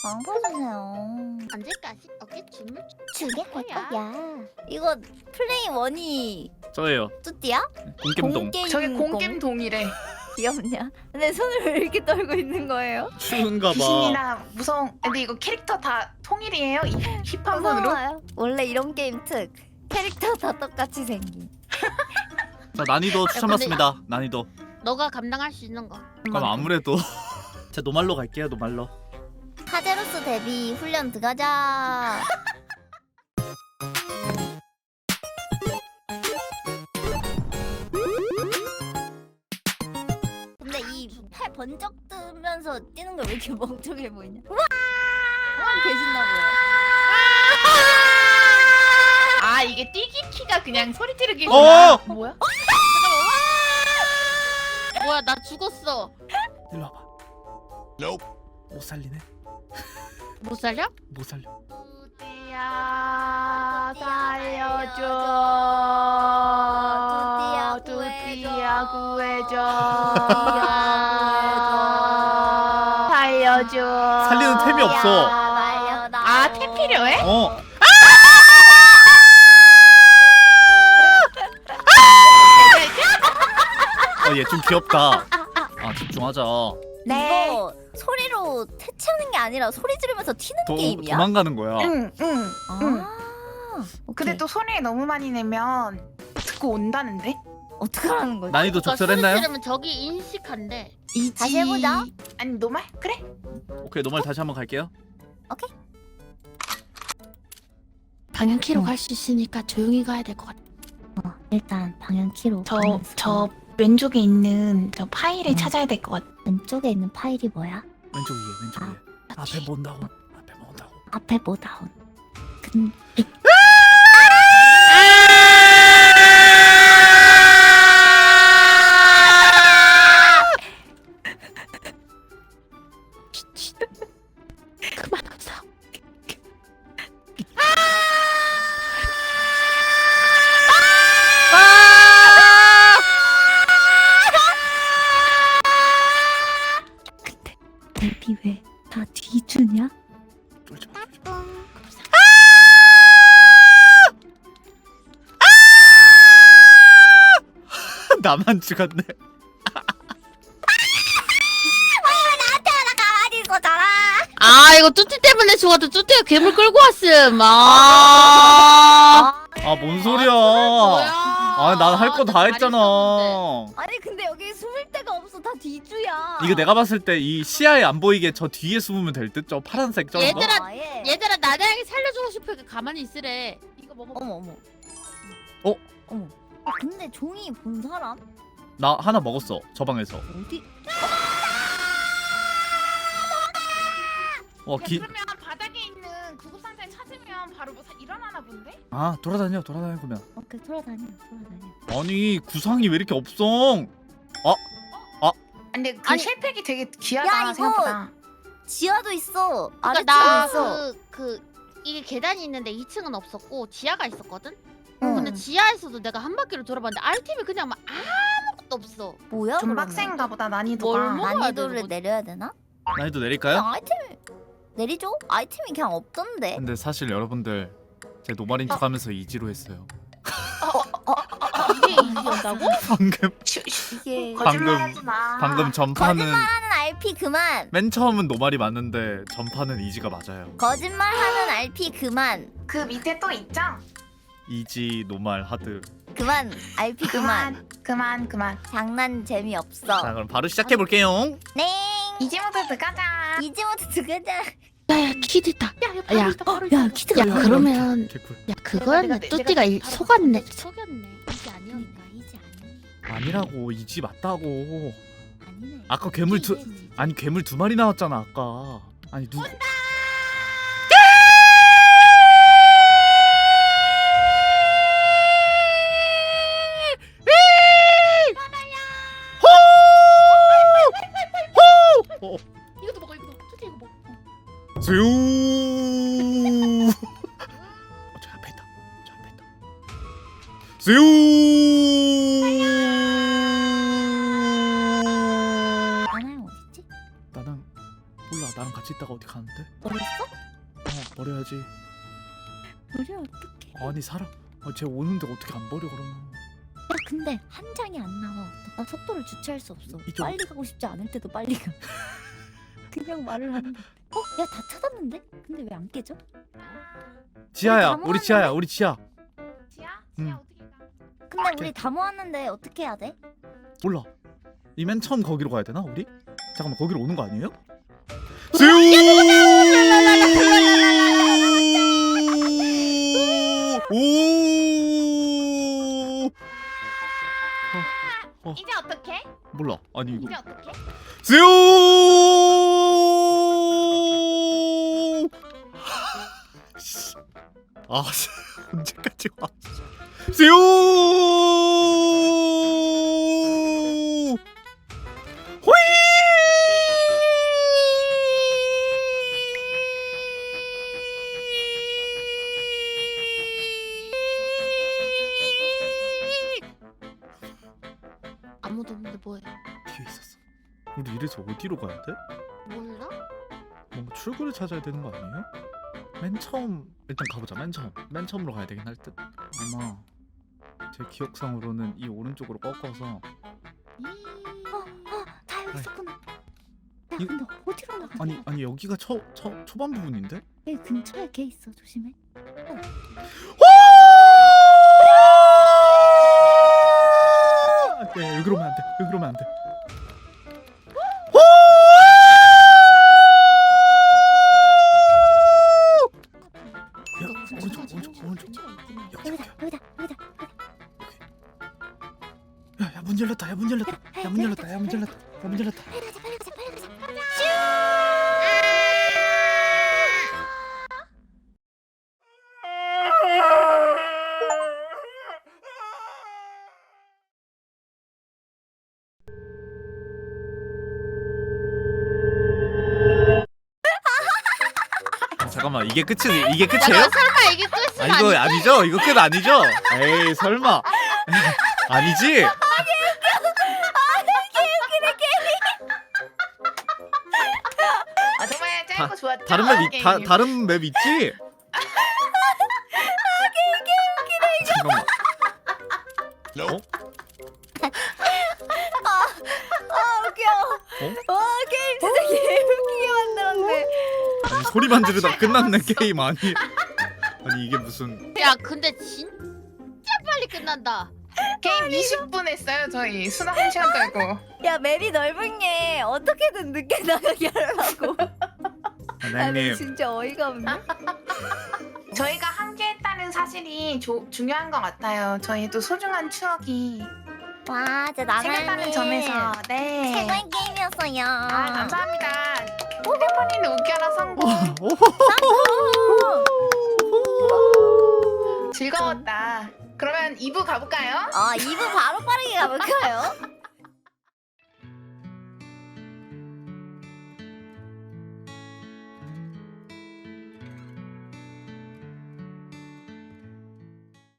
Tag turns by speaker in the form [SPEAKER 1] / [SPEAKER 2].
[SPEAKER 1] 방퍼주세요.
[SPEAKER 2] 언제까지 어깨 춤을
[SPEAKER 1] 주게 할
[SPEAKER 2] 거야?
[SPEAKER 1] 거야. 이거 플레이 원이
[SPEAKER 3] 저예요.
[SPEAKER 1] 뚜띠야?
[SPEAKER 3] 공겜동.
[SPEAKER 4] 저게 공겜동이래.
[SPEAKER 1] 귀엽냐? 근데 손을 왜 이렇게 떨고 있는 거예요?
[SPEAKER 3] 추운가 봐.
[SPEAKER 4] 귀신이나 무서운. 근데 이거 캐릭터 다 통일이에요? 이 힙한 분으로?
[SPEAKER 1] 무서워요. 원래 이런 게임 특 캐릭터 다 똑같이 생긴.
[SPEAKER 3] 자, 난이도 추천받습니다. 난이도.
[SPEAKER 2] 너가 감당할 수 있는 거.
[SPEAKER 3] 그럼 아무래도 자, 노말로 갈게요. 노말로.
[SPEAKER 1] 카제로스 데뷔 훈련 들어가자. 근데 이 팔 번쩍 뜨면서 뛰는 거 왜 이렇게 멍청해 보이냐? 와! 계신나 보여.
[SPEAKER 4] 아 이게 뛰기 키가 그냥 소리 지르기구나. 뭐야?
[SPEAKER 2] 뭐야 나 죽었어.
[SPEAKER 3] 일로 와봐. 못 살리네.
[SPEAKER 2] 못 살려?
[SPEAKER 3] 못 살려.
[SPEAKER 4] 뚜띠야 살려줘. 뚜띠야 구해줘. 살려줘.
[SPEAKER 3] 살리는 템이 없어.
[SPEAKER 4] 아, 템 필요해?
[SPEAKER 3] 어. 얘 좀 귀엽다. 아, 집중하자.
[SPEAKER 4] 네.
[SPEAKER 1] 이거 소리로 퇴치하는 게 아니라 소리 지르면서 튀는 게임이야?
[SPEAKER 3] 도망가는 거야.
[SPEAKER 4] 응.
[SPEAKER 1] 아,
[SPEAKER 4] 근데 또 소리 너무 많이 내면 듣고 온다는데?
[SPEAKER 1] 어떡하라는 거지?
[SPEAKER 3] 난이도
[SPEAKER 2] 그러니까
[SPEAKER 3] 적절했나요?
[SPEAKER 2] 소리 지르면 저기 인식한대.
[SPEAKER 4] 이지.
[SPEAKER 1] 다시 해보자.
[SPEAKER 4] 아니 노말? 그래?
[SPEAKER 3] 오케이, 노말 다시 한번 갈게요.
[SPEAKER 2] 방향키로 갈 수 있으니까 조용히 가야 될 것 같아.
[SPEAKER 1] 일단 방향 키로
[SPEAKER 4] 저 왼쪽에 있는 저 파일을 찾아야 될 것 같아.
[SPEAKER 1] 왼쪽에 있는 파일이 뭐야?
[SPEAKER 3] 왼쪽 위에, 왼쪽 위에. 앞에 본다고. 앞에 본다고.
[SPEAKER 1] 앞에 뭐 나온? 근데
[SPEAKER 2] 그만하자.
[SPEAKER 1] 앱이 왜 다 뒤주냐?
[SPEAKER 3] 쫄지 마, 쫄지 마. 나만 죽었네.
[SPEAKER 1] 가만히 있어잖아.
[SPEAKER 2] 아 이거 뚜띠 때문에 죽었다. 뚜띠가 괴물 끌고 왔음. 아.
[SPEAKER 3] 아, 뭔 소리야.
[SPEAKER 2] 뭐야?
[SPEAKER 3] 아, 난 할 거 다
[SPEAKER 2] 나
[SPEAKER 3] 했잖아.
[SPEAKER 2] 잘했었는데.
[SPEAKER 1] 아니 근데 여기 숨을 데가 없어. 다 뒤주야.
[SPEAKER 3] 이거 내가 봤을 때 이 시야에 안 보이게 저 뒤에 숨으면 될 듯? 저 파란색 저거?
[SPEAKER 2] 얘들아,
[SPEAKER 1] 아예.
[SPEAKER 2] 얘들아 나나에게 살려주고 싶으니까 가만히 있으래. 이거 먹어.
[SPEAKER 1] 어머 어머.
[SPEAKER 3] 어?
[SPEAKER 1] 어머. 근데 종이 본 사람
[SPEAKER 3] 나 하나 먹었어, 저 방에서.
[SPEAKER 1] 어디?
[SPEAKER 4] 그러면 바닥에 있는 구급상자를 찾으면 바로 뭐 일어나나 본데?
[SPEAKER 3] 아, 돌아다녀 그러면.
[SPEAKER 1] 오케이 돌아다녀.
[SPEAKER 3] 아니, 구상이 왜 이렇게 없어?
[SPEAKER 4] 근데 그
[SPEAKER 1] 아니,
[SPEAKER 4] 실팩이 되게 귀하다
[SPEAKER 1] 야, 이거
[SPEAKER 4] 생각보다.
[SPEAKER 1] 지하도 있어.
[SPEAKER 2] 그러니까
[SPEAKER 1] 아래쪽도 있어.
[SPEAKER 2] 나그 이게 계단이 있는데 2층은 없었고 지하가 있었거든.
[SPEAKER 1] 응.
[SPEAKER 2] 근데 지하에서도 내가 한 바퀴를 돌아봤는데 알팀이 그냥 막 아무것도 없어.
[SPEAKER 1] 뭐야?
[SPEAKER 4] 좀
[SPEAKER 1] 그러면?
[SPEAKER 4] 빡센가 보다
[SPEAKER 2] 뭘
[SPEAKER 4] 난이도가.
[SPEAKER 2] 먹어야
[SPEAKER 1] 난이도를
[SPEAKER 2] 되는 거지?
[SPEAKER 1] 내려야 되나?
[SPEAKER 3] 난이도 내릴까요?
[SPEAKER 1] 그냥 아이템 내리죠? 아이템이 그냥 없던데.
[SPEAKER 3] 근데 사실 여러분들 제 노말인 척하면서 이지로 했어요.
[SPEAKER 2] 이게 이기였다고?
[SPEAKER 3] 방금
[SPEAKER 1] 이게
[SPEAKER 4] 거짓말하지 마.
[SPEAKER 3] 방금 전파는
[SPEAKER 1] 거짓말하는 RP 그만.
[SPEAKER 3] 맨 처음은 노말이 맞는데 전파는 이지가 맞아요.
[SPEAKER 1] 거짓말하는 RP 그만.
[SPEAKER 4] 그 밑에 또 있죠?
[SPEAKER 3] 이지 노말 하드.
[SPEAKER 1] 그만. RP 그만.
[SPEAKER 4] 그만.
[SPEAKER 1] 장난 재미없어.
[SPEAKER 3] 자, 그럼 바로 시작해 볼게요.
[SPEAKER 1] 네.
[SPEAKER 4] 이제 모드 들어가자.
[SPEAKER 1] 이제부터 들어가자.
[SPEAKER 2] 야야 키드 있다. 야,
[SPEAKER 1] 야 키트가
[SPEAKER 2] 야
[SPEAKER 1] 뭐야?
[SPEAKER 2] 그러면
[SPEAKER 3] 개꿀.
[SPEAKER 2] 야 그거였네.
[SPEAKER 4] 내가
[SPEAKER 2] 뚜띠가
[SPEAKER 4] 바로
[SPEAKER 2] 속았네. 속였네. 이게 아니었네.
[SPEAKER 1] 이제
[SPEAKER 3] 아니라고, 이지 맞다고.
[SPEAKER 1] 아니네.
[SPEAKER 3] 아까 괴물 두
[SPEAKER 1] 이제.
[SPEAKER 3] 아니 괴물 두 마리 나왔잖아 아까. 아니 누구?
[SPEAKER 2] 이것도 먹어 이거. 뚜띠 이거 먹어.
[SPEAKER 3] 슈. 저 앞에 있다. 저 앞에 있다. 슈.
[SPEAKER 1] 나나야 어딨지?
[SPEAKER 3] 나랑 몰라. 나랑 같이 있다가 어디 가는데?
[SPEAKER 1] 버렸어?
[SPEAKER 3] 버려야지.
[SPEAKER 1] 버려 어떡해.
[SPEAKER 3] 아니 사람 쟤 오는데 어떻게 안 버려 그러면.
[SPEAKER 1] 야 근데 한 장이 안 나와. 나 속도를 주체할 수 없어.
[SPEAKER 3] 이쪽.
[SPEAKER 1] 빨리 가고 싶지 않을 때도 빨리 가. 그냥 말을 하는데. 야 다 찾았는데? 근데 왜 안 깨져?
[SPEAKER 3] 지하야
[SPEAKER 1] 다
[SPEAKER 3] 우리 지하야 우리 지하.
[SPEAKER 4] 지야?
[SPEAKER 3] 응.
[SPEAKER 4] 지야 어떻게 가?
[SPEAKER 1] 근데 우리 다 모았는데 어떻게 해야 돼?
[SPEAKER 3] 몰라. 이 맨 처음 거기로 가야 되나 우리? 잠깐만 거기로 오는 거 아니에요? 슈! 오!
[SPEAKER 4] 이제 어떻게?
[SPEAKER 3] 몰라. 아니 이거
[SPEAKER 4] 이제 어떻게?
[SPEAKER 3] 슈! 아 언제까지 와? 슈! 호이!
[SPEAKER 2] 아무도 없는데 뭐해?
[SPEAKER 3] 뒤에 있었어. 우리 이래서 어디로 가야 돼?
[SPEAKER 2] 몰라?
[SPEAKER 3] 뭔가 출구를 찾아야 되는 거 아니에요? 맨 처음 일단 가보자. 맨 처음으로 가야 되긴 할 듯. 아마 제 기억상으로는 이 오른쪽으로 꺾어서
[SPEAKER 1] 다 여기
[SPEAKER 3] 네.
[SPEAKER 1] 있었구나. 야
[SPEAKER 3] 이-
[SPEAKER 1] 근데 어디로 나가지?
[SPEAKER 3] 아니 여기가 초반 부분인데?
[SPEAKER 1] 여기 근처에 걔 있어. 조심해.
[SPEAKER 3] 네, 여기로 오면 안 돼. 여기로 오면 안 돼. 야, 오른쪽. 여기.
[SPEAKER 1] 여기다.
[SPEAKER 3] 야, 문 열렸다. 야, 문 열렸다. 야, 문 열렸다. 야, 문 열렸다. 야, 문 열렸다.
[SPEAKER 1] 빨리 가자.
[SPEAKER 3] 잠깐만, 이게 끝이에요?
[SPEAKER 2] 야, 설마 이게 끝은
[SPEAKER 3] 아, 이거
[SPEAKER 2] 아니지?
[SPEAKER 3] 아니죠? 이거 끝 아니죠? 에이, 설마. 아니지?
[SPEAKER 4] 아 정말 짧고 좋았죠?
[SPEAKER 3] 다른 맵
[SPEAKER 4] 게임.
[SPEAKER 3] 다른 맵 있지? 잠깐만. 어?
[SPEAKER 1] 아 웃겨. 와 게임 진짜 개웃기게 만들었네.
[SPEAKER 3] 아니, 소리만 지르다 끝났네 게임 아니. 아니 이게 무슨?
[SPEAKER 2] 야 근데 진짜 빨리 끝난다.
[SPEAKER 4] 게임 20분 했어요 저희. 수다 1시간 떨고.
[SPEAKER 1] 야 맵이 넓은 게 어떻게든 늦게 나가게 하려고.
[SPEAKER 3] 사장님.
[SPEAKER 1] 진짜 어이가 없네.
[SPEAKER 4] 저희가 함께 했다는 사실이 중요한 것 같아요. 저희도 소중한 추억이
[SPEAKER 1] 와 진짜
[SPEAKER 4] 생겼다는 점에서 네.
[SPEAKER 1] 최고의 게임이었어요.
[SPEAKER 4] 아 감사합니다. 휴대폰이는 웃겨라 성공. 즐거웠다. 그러면 2부 가볼까요?
[SPEAKER 1] 2부 바로 빠르게 가볼까요?